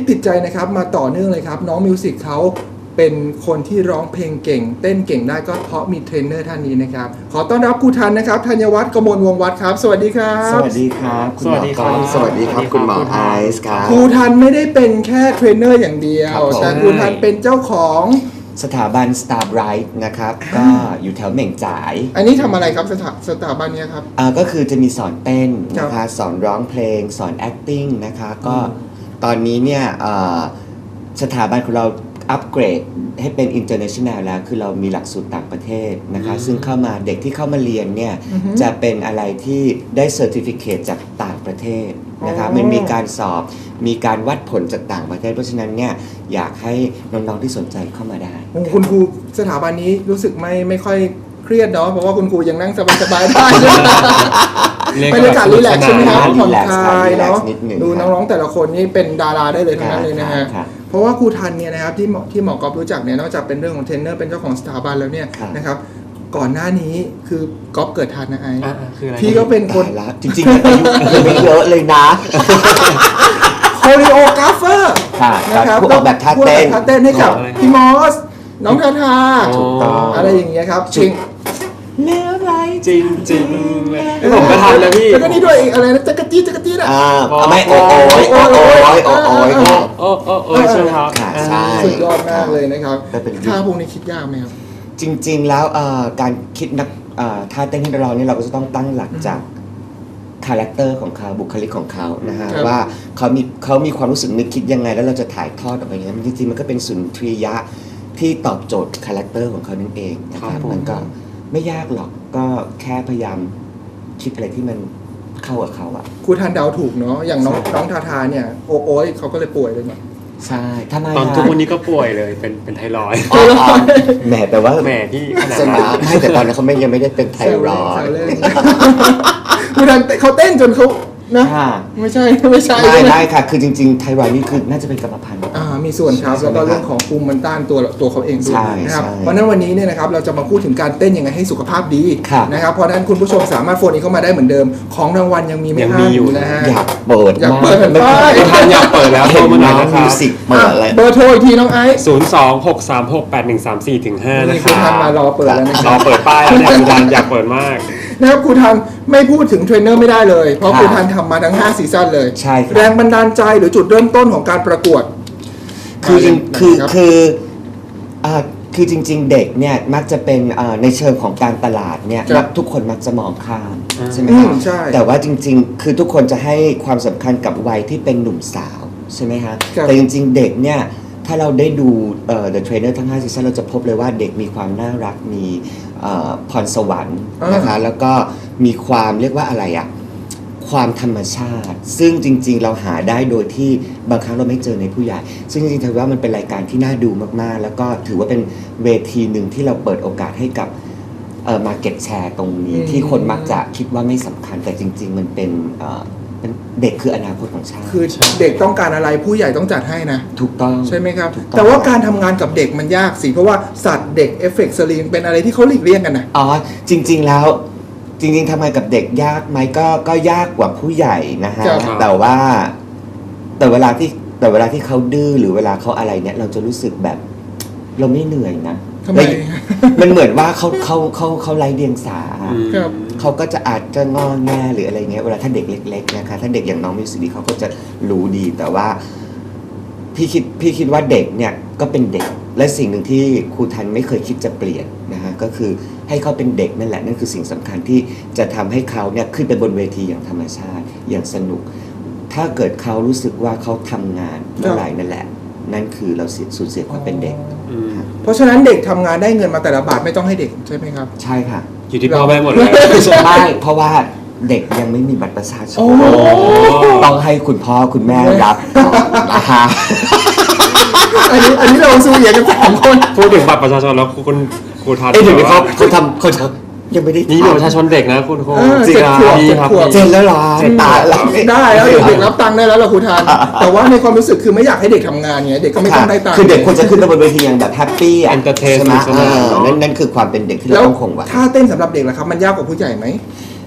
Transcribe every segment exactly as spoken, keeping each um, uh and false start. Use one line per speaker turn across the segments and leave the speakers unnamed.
ติดใจนะครับมาต่อเนื่องเลยครับน้องมิวสิกเขาเป็นคนที่ร้องเพลงเก่งเต้นเก่งได้ก็เพราะมีเทรนเนอร์ท่านนี้นะครับขอต้อนรับครูทันนะครับธัญวัฒน์กมลวงศ์วัฒน์ครับสวัสดีครับ
สวัสดีครับคุณหมอ
ครับ
สวัสดีครับคุณหมอไอซ์ครับ
ครูทันไม่ได้เป็นแค่เทรนเนอร์อย่างเดียวแต่ครูทันเป็นเจ้าของ
สถาบัน Star Bright นะครับก็อยู่แถวเหม่งจ่าย
อันนี้ทำอะไรครับสถาสถาบันนี้ครับ
อ่าก็คือจะมีสอนเต้นนะคะสอนร้องเพลงสอน acting นะคะก็ตอนนี้เนี่ยสถาบันของเราอัปเกรดให้เป็น international แล้วคือเรามีหลักสูตรต่างประเทศนะคะซึ่งเข้ามาเด็กที่เข้ามาเรียนเนี่ยจะเป็นอะไรที่ได้ certificate จากต่างประเทศนะคะมันมีการสอบมีการวัดผลจากต่างประเทศเพราะฉะนั้นเนี่ยอยากให้น้องๆที่สนใจเข้ามาได้
คุณครูสถาบันนี้รู้สึกไม่ไม่ค่อยเครียดเนาะเพราะว่าคุณครูยังนั่งสบายๆได้บรรยากาศรีแลกซ์ใช่ไหมครับผ่อนคลายเนาะดูน้องๆแต่ละคนนี่เป็นดาราได้เลยทั้งนั้นเลยนะฮะเพราะว่าครูทันเนี่ยนะครับที่ที่หมอกอฟรู้จักเนี่ยนอกจากเป็นเรื่องของเทรนเนอร์เป็นเจ้าของสถาบันแล้วเนี่ยนะครับก่อนหน้านี้คือกอฟเกิดทันนะไอ้พี่ก็เป็นคน
จริงๆอายุยังไม่เยอะเลยนะ
โคริโอกราฟเฟอร์
นะครับพวกแบบท่าเต้น
ท่าเต้นให้กับพี่มอสน้องทาทาอะไรอย่างเงี้ยครับจริง
เนื้อไรจริงจริงผมก็ทำแล้วพี่
แล้วก็นี่ด้วยอะไรนะจักรจี้จักรจี้นะ
อ่าไม่โอ้โอ้ยโอ้โอ้ยโอ้โอ้ย
โอ้โอ้โอ้ยใช่ไหมครับ
ใช่
สุดยอดมากเลยนะครับท่าพวกนี้คิดยากไหมครับ
จริงๆแล้วการคิดนักท่าเต้นให้เราเนี่ยเราก็จะต้องตั้งหลักจากคาแรคเตอร์ของเขาบุคลิกของเขานะฮะว่าเขามีเขามีความรู้สึกนึกคิดยังไงแล้วเราจะถ่ายทอดออกไปอย่างนี้จริงๆมันก็เป็นสุนทรียะที่ตอบโจทย์คาแรคเตอร์ของเขานั่นเองนะครับมันก็ไม่ยากหรอกก็แค่พยายามคิดอะไรที่มันเข้ากับเขาอะ
ครูทันเดาถูกเนาะอย่างน้องน้องทาทาเนี่ยโอ้โอ้ยเขาก็เลยป่วยเลยมั้ย
ใช่ทำไม
ตอนทุกวันนี้ก็ป่วยเลยเป็นเป็นไทรอยด์
แหมแต่ว่า
แหมที่ขนาด
นั้นไม่แต่ตอนนั้นเขาไม่ยังไม่ได้เป็นไทรอยด์
ครูทันเขาเต้นจนเขานะไม่ใช่ไม่ใช่
ไม่ได้ค่ะคือจริงๆไทรอยด์นี่คือน่าจะเป็นกรรมพันธุ์
อ่ามีส่วนครับแล้วก็เรื่องของภูมิมันต้านตัวตัวเขาเองด้วยนะครับเพราะนั้นวันนี้เนี่ยนะครับเราจะมาพูดถึงการเต้นยังไงให้สุขภาพดีนะครับเพราะนั้นคุณผู้ชมสามารถโฟนนี้เข้ามาได้เหมือนเดิมของรางวัลยังมีไม่ห้ามอยู่นะฮะ
อยากเปิด
อยากเปิด
ไม่ทันอยากเปิดแล้วโทรมาหน่อยนะครับ
มิวสิกเปิดอะไร
เบอร์โทรอีกทีน้องไอซ์
ศูนย์ สอง หก สาม หก แปด หนึ่ง สาม สี่ ถึง ห้านะครับ
คุณทันมารอเปิดแล้วนะครับ
รอเปิดป้ายแล้วเนี่ยคุณทันอยากเปิดมาก
นะครับครูทันไม่พูดถึงเทรนเนอร์ไม่ได้เลยเพราะครูทันทำมาทั้งห้าซีซั่นเลยแรงบันดาลใจหรือจุดเริ่มต้นของการประกวด
คือคือคืออ่าคือจริงๆเด็กเนี่ยมักจะเป็นในเชิงของการตลาดเนี่ยทุกคนมักจะมองข้ามใช่ไหมครับแต่ว่าจริงๆคือทุกคนจะให้ความสำคัญกับวัยที่เป็นหนุ่มสาวใช่ไหมฮะแต่จริงๆเด็กเนี่ยถ้าเราได้ดู The Trainer ทั้งห้าซีซั่นเราจะพบเลยว่าเด็กมีความน่ารักมีพรสวรรค์นะคะแล้วก็มีความเรียกว่าอะไรอะความธรรมชาติซึ่งจริงๆเราหาได้โดยที่บางครั้งเราไม่เจอในผู้ใหญ่ซึ่งจริงๆถือว่ามันเป็นรายการที่น่าดูมากๆแล้วก็ถือว่าเป็นเวทีหนึ่งที่เราเปิดโอกาสให้กับเอ่อ market share ตรงนี้ที่คนมักจะคิดว่าไม่สำคัญแต่จริงๆมันเป็นเด็กคืออนาคตของชาติ
คือเด็กต้องการอะไรผู้ใหญ่ต้องจัดให้นะ
ถูกต้อง
ใช่ไหมครับแต่ว่าการทำงานกับเด็กมันยากสิเพราะว่าสัตว์เด็กเอฟเฟกต์สลิงเป็นอะไรที่เขาหลีกเลี่ยงกันนะ
อ๋อจริงๆแล้วจริงๆทำงานกับเด็กยากไหมก็ก็ยากกว่าผู้ใหญ่นะฮะแต่ว่าแต่เวลาที่แต่เวลาที่เขาดื้อหรือเวลาเขาอะไรเนี่ยเราจะรู้สึกแบบเราไม่เหนื่อยนะมันเหมือนว่าเขาเขาเขาเขาไร้เดียงสาเขาก็จะอาจจะงอแงหรืออะไรเงี้ยเวลาถ้าเด็กเล็กๆนะคะถ้าเด็กอย่างน้องมิวสิกเขาก็จะรู้ดีแต่ว่าพี่คิดพี่คิดว่าเด็กเนี่ยก็เป็นเด็กและสิ่งหนึ่งที่ครูทันไม่เคยคิดจะเปลี่ยนนะฮะก็คือให้เขาเป็นเด็กนั่นแหละนั่นคือสิ่งสำคัญที่จะทำให้เขาเนี่ยขึ้นไปบนเวทีอย่างธรรมชาติอย่างสนุกถ้าเกิดเขารู้สึกว่าเขาทำงานเมื่อไหร่นั่นแหละนั่นคือเราสูญเสียความเป็นเด็ก
เพราะฉะนั้นเด็กทำงานได้เงินมาแต่ละบาทไม่ต้องให้เด็กใช่ไหมครับ
ใช่ค่ะ
อยู่ที่พ่อแม่หมดเลย
ใช่เพราะว่าเด็กยังไม่มีบัตรประชาชนต้องให้คุณพ่อคุณแม่รับนะคะ
อันนี้อันนี้เราสู้เหยียดกันสามคน
พูดถึงบัตรประชาชนแล้วคุณครูทัน
เอ้ยเดี๋ยวเขาเขาทำเขาทำยังไม่ได้
นี่บัตรประชาชนเด็กนะคุณครู
จริง
ครับเจนแล้วหรอตายแล้ว
ได้แล้วเด็กรับตังค์ได้แล้วเหรอครูทันแต่ว่าในความรู้สึกคือไม่อยากให้เด็กทำงานไงเด็กก็ไม่ต้องได้ตังค์
คือเด็กควรจะขึ้นไปบนเวทีอย่างแบบแฮปปี้อ่ะใช่ไหมนั่นนั่นคือความเป็นเด็กที่เราต้องคงไว้
ถ้าเต้นสำหรับเด็กล่ะครับมันยากกว่าผู้ใหญ่ไหม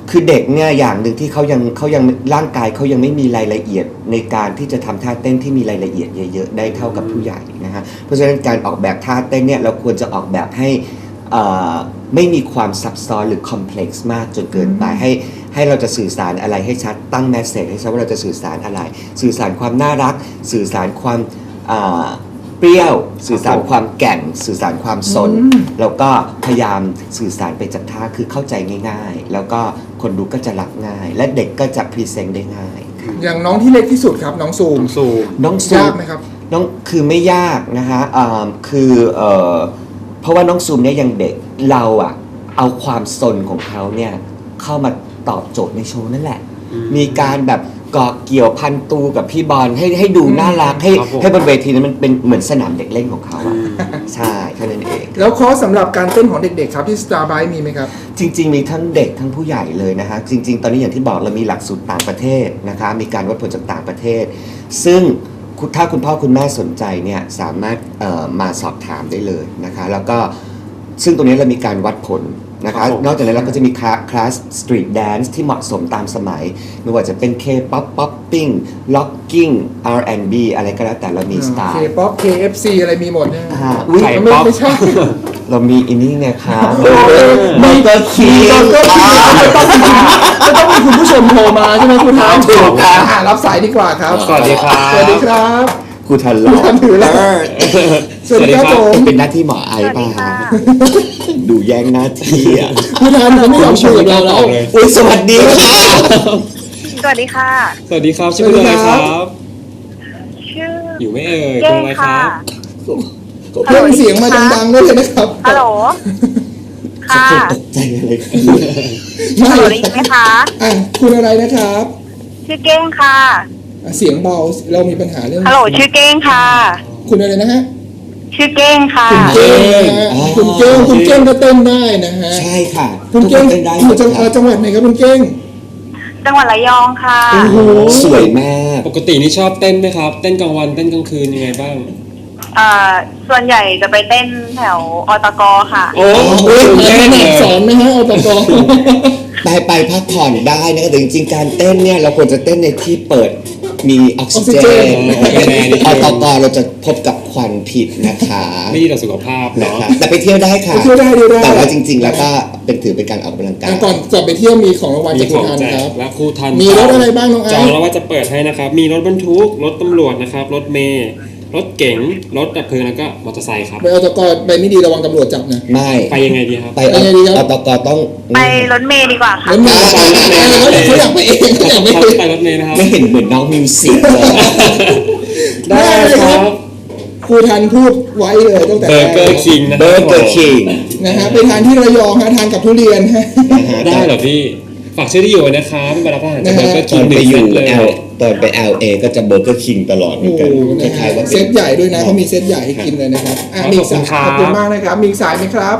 คือเด็กเนี่ยอย่างหนึ่งที่เขายังเขายังร่างกายเขายังไม่มีรายละเอียดในการที่จะทำท่าเต้นที่มีรายละเอียดเยอะๆได้เท่ากับผู้ใหญ่นะฮะเพราะฉะนั้นการออกแบบท่าเต้นเนี่ยเราควรจะออกแบบให้ไม่มีความซับซ้อนหรือคอมเพล็กซ์มากจนเกินไปให้ให้เราจะสื่อสารอะไรให้ชัดตั้งแมสเสจให้ชัดว่าเราจะสื่อสารอะไรสื่อสารความน่ารักสื่อสารความเปรี้ยวสื่อสารความแก่นสื่อสารความสนแล้วก็พยายามสื่อสารไปจากท่าคือเข้าใจง่ายๆแล้วก็คนดูก็จะรับง่ายและเด็กก็จะพรีเซนต์ได้ง่าย
อย่างน้องที่เล็กที่สุดครับน้องซูม
ซูม
น้องซูม
ยากไหมครับ
น้องคือไม่ยากนะฮะคือเอ่อเพราะว่าน้องซูมเนี่ยยังเด็กเราอะเอาความสนของเขาเนี่ยเข้ามาตอบโจทย์ในโชว์นั่นแหละมีการแบบเกาะเกี่ยวพันตูกับพี่บอลให้ให้ดูน่ารักให้ให้บนเวทีนั้นมันเป็นเหมือนสนามเด็กเล่นของเขาอะใช่แค่นั้นเอง
แล้วคอร์สสำหรับการเต้นของเด็กๆครับที่ Starbright มีไหมครับ
จริงๆมีทั้งเด็กทั้งผู้ใหญ่เลยนะฮะจริงๆตอนนี้อย่างที่บอกเรามีหลักสูตรต่างประเทศนะคะมีการวัดผลจากต่างประเทศซึ่งถ้าคุณพ่อคุณแม่สนใจเนี่ยสามารถมาสอบถามได้เลยนะคะแล้วก็ซึ่งตรงนี้เรามีการวัดผลนะคะนอกจากนั้นเราก็จะมีคลาสสตรีทแดนซ์ที่เหมาะสมตามสมัยไม่ว่าจะเป็น K-pop popping locking อาร์ แอนด์ บี อะไรก็แล้วแต่เรามีสไตล์
K-pop เค เอฟ ซี อะไรมีหมดเนี่ย
อุ้ย
ไม่ไม่ใช่
เรามีอินนี่ไงครับเบอร์เกอร์คิง
ก็ต้องมีคุณผู้ชมโทรมาใช่ไหมคุณท้าวถูกรับสายดีกว่าครับ
สวัสดีครับ
สวัสดีครับ
ครูทันรอ
ครูทันถือแล้วสวัสดีครับผม
เป็นหน้าที่หมอไอป่ะดูแย่งหน้าที่อ่ะ
ครูทันเขาไม่ยอมช่วยเราแล้ว
อุ้ยสวัสดีค่ะ
สวัสดีค่ะ
สวัสดีครับชื่ออะไรครับ
ชื่อ
อยู่ไม่เอ่ยตรงไหนครับ
เพิ่มเสียงมาดังๆด้วยนะครับ
ฮัลโหลค่ะ
ตกใจอะไร
ฮัลโหลได้ยินไหมคะ
อ่ะคุณอะไรนะครับ
ชื่อเก้งค่ะ
เสียงเบาเรามีปัญหาเรื่อง
ฮัลโหลชื่อเก้งค่ะ
คุณอะไรนะฮะ
ชื่อเก้งค่ะ
คุณเก้งคุณเก้งคุณเก้งก็เต้นได้นะฮะ
ใช่ค่ะ
คุณเก้งอยู่จังหวัดจังหวัดไหนครับคุณเก้ง
จังหวัดระยองค่ะ
โอ้โห
สวยมาก
ปกตินี่ชอบเต้นไหมครับเต้นกลางวันเต้นกลางคืนยังไงบ้าง
อ่าส่วนใหญ่จะไปเต้นแถวอตกค่ะ
โอ้โห
แน่นสอนนะฮะอตก
ไปไปพักผ่อนได้นะแต่จริงๆการเต้นเนี่ยเราควรจะเต้นในที่เปิดมีออกซิเจนอตกเราจะพบกับควันพิษนะคะ
ไม่ดีต่อสุขภาพเนาะ
แต่ไปเที่ยวได้ค่ะ
เที่ยวได้ด้วย
แต่ว่าจริงๆแล้วก็เป็นถือเป็นการออกกำลังกาย
ก่อนจะไปเที่ยวมีของรางวัลจากครูทันครับ
และครูทัน
มีรถอะไรบ้างน้องไอซ์
จองแล้วว่าจะเปิดให้นะครับมีรถบรรทุกรถตำรวจนะครับรถเมล์รถเก๋งรถดับเพลิงแล้วก็มอเตอร์ไซค์ครับ
ไปอตกไปไม่ดีระวังตำรวจจับนะ
ไม่
ไปยังไงดีครับ
ไปอตกต้อง
ไปรถเมล์ดีกว่าค่ะ
รถเมล์เขาอยากไปเองเขาอยากไปเอง
ไปรถเมล์นะครับ
ไม่เห็นเหมือนน้องมิวสิกเลย
ได้ครับครูทันพูดไว้เลยตั้งแต่
เบอร์เกอร์คิงนะ
เบอร์เกอร์คิง
นะฮะไปทานที่ระยองฮะทานกับทุเรียนฮะ
ได้เหรอพี่ฝากชื่อที่อยู่นะครับไปรับอาหารจากเบอร์เกอร์คิงหนึ่งเซตเลย
ตอนไป แอล เอ ก็จะเบอร์เกอร์คิงตลอดเหมือนกันคล้ายๆว่า
เซตใหญ่ด้วยนะเขามีเซตใหญ่ให้กินเลยนะครับอ่ะมีสายขอบคุณมากนะครับมีสายไหมครับ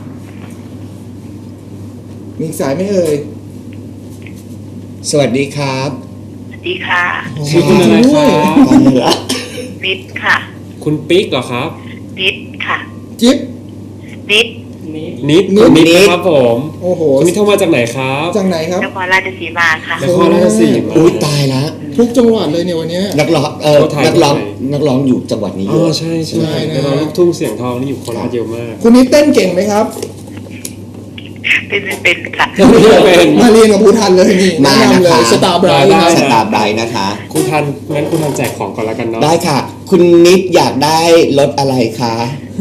มีสายไหมเอ่ย
สวัสดีครับ
สวัสดีค่ะ
ชื่อคุณอะไรครับ
นิดค่ะ
คุณปิ๊กเหรอครับ
นิดค่ะ
จิ๊บ
นิด
นิดนิดครับผม
โอ้โห
คุณนิดโทรมาจากไหนครับ
จากไหนครับ
นครราชสีมาค่ะ
นครราชสีมา
อุ้ยตายแล้ว
ทุกจังหวัดเลยเนี่ยวันนี้
นักร้องเออนักร้องนักร้องอยู่จังหวัดนี้เย
อะใช่ใช่นักร้องลูกทุ่งเสียงทองนี่อยู่โคราชเยอะมาก
คุณนิดเต้นเก่งไหมครับ
เป็นเป็นค่ะ
มาเรียนกับครูทันเลยนี่
มานะคะ
สตาร์ไบรท์
สตาร์ไบรท์นะคะ
ครูทันงั้นครูทันแจกของก่อนแล้วกันเนาะ
ได้ค่ะคุณนิดอยากได้รถอะไรคะ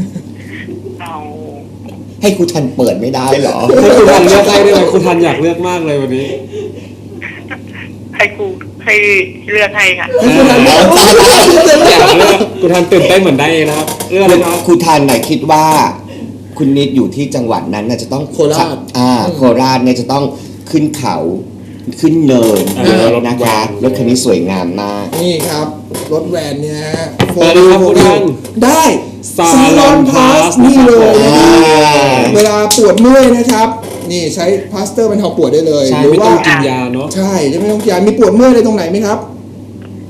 ให้ครูทันเปิดไม่ได้หรอ
ให้ครูทันเลือกได้ด้วยครูทันอยากเลือกมากเลยวันนี้
ให้ครูให้เลือกให้ค่ะ
ครูทันอยากเลือกครูทันตื่นเต้นเหมือนได้เองนะครับเลือกเลยครับ
ครูทันไหนคิดว่าคุณนิดอยู่ที่จังหวัดนั้นน่าจะต้อง
โคราช
อ่าโคราชเนี่ยจะต้องขึ้นเขาขึ้นเนินนะคะรถคันนี้สวยงามมาก
นี่ครับรถแวนเนี่ย
เปิดเลยครับครูทัน
ได้ซาลอนพาสนี่เลยเวลาปวดเมื่อยนะครับนี่ใช้พลาสเตอร์บรรเทาปวดได้เลย
หรือว่ากินยาเนาะ
ใช่จะไม่ต้องกินยามีปวดเมื่อยอะไรตรงไหนไหมครับ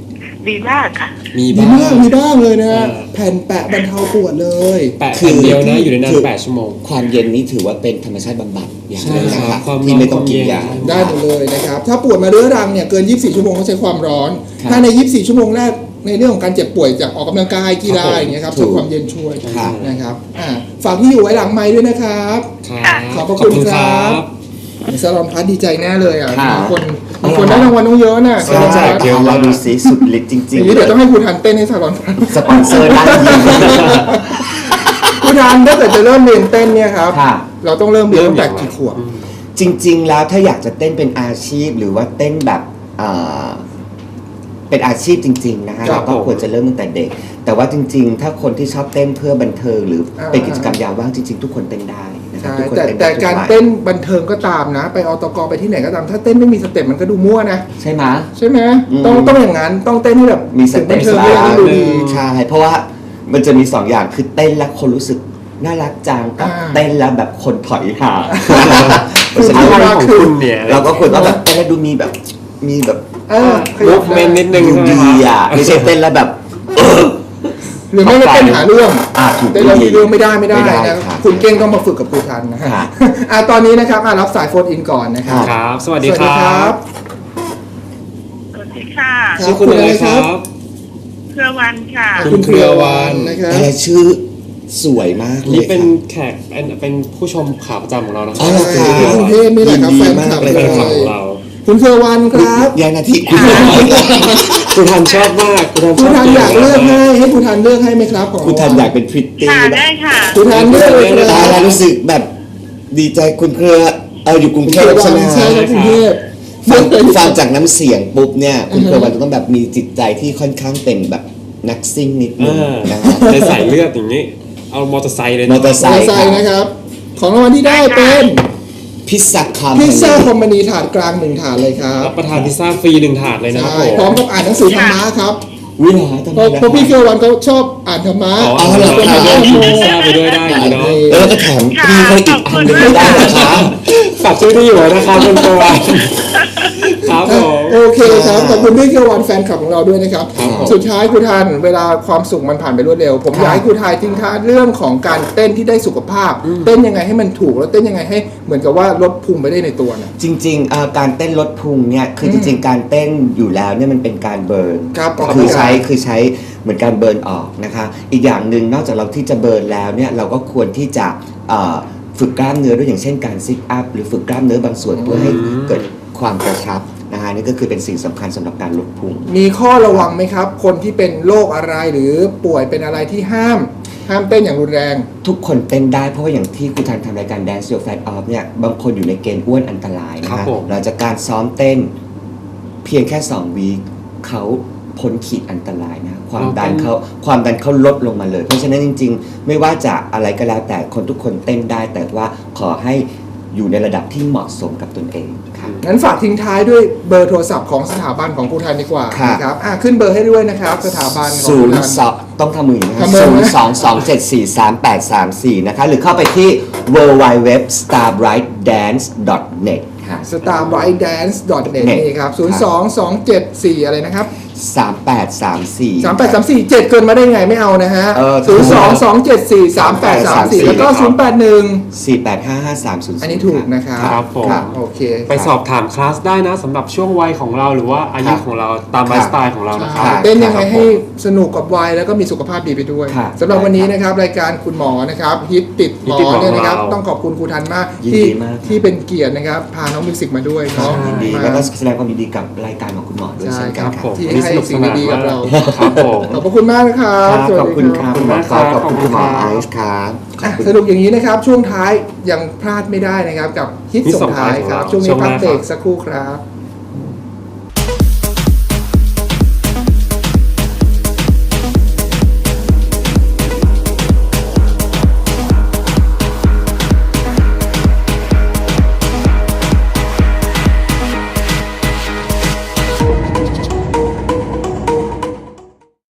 ดีมากค่ะ
มี
ดี
บ้าง
มากมีบ้างเลยนะ
เออ
แผ่นแปะบรรเทาปวดเลย
แปะแผ่นเดียวนะอยู่ในนั้นแปดชั่วโมง
ความเย็นนี้ถือว่าเป็นธรรมชาติบำบัดอย่างหนึงนะ
ใช่
ค
ครั
รั
บบ ความ
ที่ไม่ต้องกิน
ร้อน
ยา
ความเย็น
ได้หมดเลยนะครับ ถ้าปวดมาเรื้อรังเนี่ยเกิน ยี่สิบสี่ ชั่วโมงก็ใช้ความร้อน
ครับ
ถ้าใน ยี่สิบสี่ ชั่วโมงแรกในเรื่องของการเจ็บป่วยจากออกกำลังกายกีฬา
ครับผม
อย่างเงี้ยครับ
ถู
ใช้
ก
ความเย็นช่วย
ครับ
นะครับอ่าฝากที่อยู่ไว้หลังไม้ด้วยนะครับ
ครับ
ขอบพระคุณครับ สลอนพัดดีใจแน่เลยอ่ะ
ค่ะ
บางคนบางคนได้รางวัลต้องเยอะน่ะ
ใช่ใช่
เยอะมาก
เราดูสิสุดฤทธิ์จริง
อย่างนี้เดี๋ยวต้องให้ครูทันเต้นให้สลอนพัด
สปอนเซอร์ได้ยิน
ครูทันถ้าเกิดจะเริ่มเรียนเต้นเนี่ยครับ
ค่ะ
เราต้องเริ่มเรียนตั้งแต่กี่ขวบ
จริง ๆ แล้วถ้าอยากจะเต้นเป็นอาชีพหรือว่าเต้นแบบเอ่อเป็นอาชีพจริง ๆ นะฮะ
ครั
เรา
บ
ก็ควรจะเริ่มตั้งแต่เด็ก แต่ว่าจริง ๆ ถ้าคนที่ชอบเต้นเพื่อบันเทิงหรืออา เป็นกิจกรรมยามว่างจริง ๆ ทุกคนเต้นได้นะครับ
ใช่
ทุกคน
แต่
เต้น
แต่
ได้ทุ
การ
วัย
เต้นบันเทิงก็ตามนะ ไปอตกไปที่ไหนก็ตาม ถ้าเต้นไม่มีสเต็ปมันก็ดูมั่วนะ
ใช่ไหม
ใช่ไหม
อืม
ต้องต้องอย่างนั้นต้องเต้นให้แบบ
มีสเต็ป
บันเทิง
บ้า
ให้
ง
ดูดี
ใช่เพราะว่ามันจะมีสองอย่างคือเต้นแล้วคนรู้สึกน่ารักจังกับ
อ่า
เต้นแล้วแบบคนถอยห่าง
คือ
เพราะฉะนั้น
อะไรของคุณเนี่ย
เราก็ควรต้องแบบเต้นแล้วดูมีแบบมีแบบ
เออข
ลุ
ยับ
กเมนนิดนึง
ดู
ใช่ไหม
ดี
ครับ
อ่ะไม่ใช่เต้นแล้วแบบ
หรือไม่ก็เต้นหาเรื่อง
อ่าถูก
เต้นแล้วมีเรื่องไม่ได้ไม่ได้
ไม่ได้
นะครับ คุณเก่งต้องมาฝึกกับครูทันนะฮะ
ครับ
อ่ะตอนนี้นะครับอ่ะรับสายโฟนอินก่อนนะครับ
ครับ สวัส
ส
ดี
วัส
ค
ดี
รั
ครับ บ
สวัสดีค่ะ
ครับ
ชื่อคุณอะไรครับ
เครือวันค่ะ
คุณเครือวันนะครับ
แต่ละชื่อสวยมากเลย
นี่เป็น
ครับ
แขกเป็นเป็นผู้ชมขาประจำของเรานะค
อ๋
รั
อเหรอครับ
ที่กรุงเทพนี่แหละครับ
ยินดี
แฟน
มาก
คลับ
เลย
เล
เป็น
ย
ฝั่งของเรา
คุณเครือวันครับ
ยายนาทีคุณ
คุณทันชอบมากคุณทัน
ครู
ชอบ
ทันอยากเลือกให้ให้ครูทันเลือกให้ไหมครับของ
คุณทันอยากเป็นพริตตี้
ค่ะ
แบบ
ได้ค่ะ
ครูทันเลือกเลยค
ตา
รั
ยแล้ว
บ
รู้สึกแบบดีใจคุณเครือเอออยู่กรุง
คุณ
เท
เครื
พ
อวั
ใช่
น
ไหม
ใช่ครับกรุงเทพ
ฟัง
เลือกเลย
ฟังจากน้ำเสียงปุ๊บเนี่ยคุณเครือวันจะต้องแบบมีจิตใจที่ค่อนข้างเป็นแบบนักซิ่งนิดนึง
อ่า
นะฮะ
ในสายเลือดอย่างนี้ เอามอเตอร์ไซค์เลยนะ
มอเตอร์ไซ
ใส่
ค์
ใส่นะครับ ของรางวัลที่ได้เป็น
พิซซ่าคาร์
พิซซ่าคอมมานีถาดกลางหนึ่งถาดเลยครับ
รับประทานพิซซ่าฟรีหนึ่งถาดเลยนะครับ
ใช่
ผม
พร้อมกับอ่านหนังสือธรรมะครับ
วิหาทำไม
เพราะ
นะ
เพราะพี่เครือวันเขาชอบอ่านธรรมะ
อ๋อ
อ๋อเหรอ
เราทานด้วยกินพิซซ่าไปด้วยได้อย่างนี้เนาะ
แล้วก็แถมพี่ให้อีกอันหนึงไม่ได้นะคะ
ฝากช่วยที่อยู่นะครับคุณตัวครับผม
โอเคครับขอบคุณพี่เครือวันแฟนคลับของเราด้วยนะครับ
ครับผม
สุดท้ายครูทันเวลาความสุขมันผ่านไปรวดเร็ว ผมอยากให้ครูทายทิ้งท้ายเรื่องของการเต้นที่ได้สุขภาพ เต้นยังไงให้มันถูกแล้วเต้นยังไงให้เหมือนกับว่าลดพุงไปได้ในตัวนะ
จริงๆเอ่อการเต้นลดพุงเนี่ยคือจริงๆการเต้นอยู่แล้วเนี่ยมันเป็นการเบิร์น
ครับออก
คื
กำ
อ
ลัง
ใช้
กาย
คือใช้เหมือนการเบิร์นออกนะคะอีกอย่างหนึ่งนอกจากเราที่จะเบิร์นแล้วเนี่ยเราก็ควรที่จะเอ่อฝึกกล้ามเนื้อด้วยอย่างเช่นการซิทอัพหรือฝึกกล้ามเนื้อบางส่วนเพื่อให้เกิดความกระชับนะคะนี่ก็คือเป็นสิ่งสำคัญสำหรับการลดพุง
มีข้อระวังไหมครับ คนที่เป็นโรคอะไรหรือป่วยเป็นอะไรที่ห้าม ห้ามเต้นอย่างรุนแรง
ทุกคนเต้นได้เพราะว่าอย่างที่คุณทันทำรายการ Dance Your Fat Off เนี่ยบางคนอยู่ในเกณฑ์อ้วนอันตรายนะ
ครั
คะ
บผม
หลังจากการซ้อมเต้นเพียงแค่สองวีคเขาพ้นขีดอันตรายนะความดันเขาความดันเขาลดลงมาเลย เพราะฉะนั้นจริงๆ ไม่ว่าจะอะไรก็แล้วแต่คนทุกคนเต้นได้ แต่ว่าขอให้อยู่ในระดับที่เหมาะสมกับตนเองค่ะ
งั้นฝากทิ้งท้ายด้วยเบอร์โทรศัพท์ของสถาบันของครูทันดีกว่า
ครับ
นะครับอ่ะขึ้นเบอร์ให้ด้วยนะครับ สถาบันของ
ศู
ครู
นย์
ทัน
สองต้องทำมืออย่างนี้นะ
ทำมือ
ศูน
นะ
ย์สองสองเจ็ดสี่สามแปดสามสี่นะคะหรือเข้าไปที่ ดับเบิลยู ดับเบิลยู ดับเบิลยู ดอท สตาร์ ไบรท์ แดนซ์ ดอท เน็ต ค่ะ
สตาร์ไบรท์แดนซ์ ดอท เน็ต นี่ครับ ศูนย์ สอง สอง เจ็ด สี่ อะไรนะครับ
สามแปดสามสี่
สามแปดสามสี่ เจ็ดเกินมาได้ไงไม่เอานะฮะ
เออ
ศูนย์ สอง สอง เจ็ด สี่ สาม แปด สาม สี่ แล้วก็ ศูนย์ แปด หนึ่ง
สี่แปดห้าห้าสามศูนย์
อันนี้ถูกนะครับ
ครับผม
โอเค
ไปสอบถามคลาสได้นะสำหรับช่วงวัยของเราหรือว่าอายุของเราตามไลฟ์สไตล์ของเรานะค
ใช่
รับ
เต้นยังไงให้สนุกกับวัยแล้วก็มีสุขภาพดีไปด้วย
ครับ
สำหรับวันนี้นะครับรายการคุณหมอนะครับฮิตติดหมอ
ฮิตติดหมอ
เนี่ยนะครับ
ของเรา
ต้องขอบคุณครูทันมาก
ยิน
ที่
ดีมากครับ
ที่เป็นเกียรตินะครับพาน้องมิวสิกมาด้วยเนาะ
ยินดี
มา
แล้วก็แสดงความยินดีกับรายการของคุณหมอด้วย
ใช่
เช่น
ค
กั
รั
น
บ
ครับ
ที่
วันนี้
ให้
สนุก
สิ่
ส
ง
นาน
ดีๆกับเรา
ครับผม
ขอบพระคุณมากนะครับ
ครับ
สวัส
ขอบ
ดี
คุณครับ
ขอบคุ
คุณ
ณ
หมอ
มาก
กอล์ฟ
ครับ
ขอบคุณคุณหมอ
ขอบคุณครับ
ไอซ์ครับขอบคุณ
สรุปอย่างนี้นะครับช่วงท้ายยังพลาดไม่ได้นะครับกับฮิต
ฮิต
ส่
ส่
ง
ง
ท้า
ท้าย ย
ครับ
ของเรา
ช่วงนี้
ช่วงห
พัก
น้า
เบรก
ครับ
สักครู่ครับ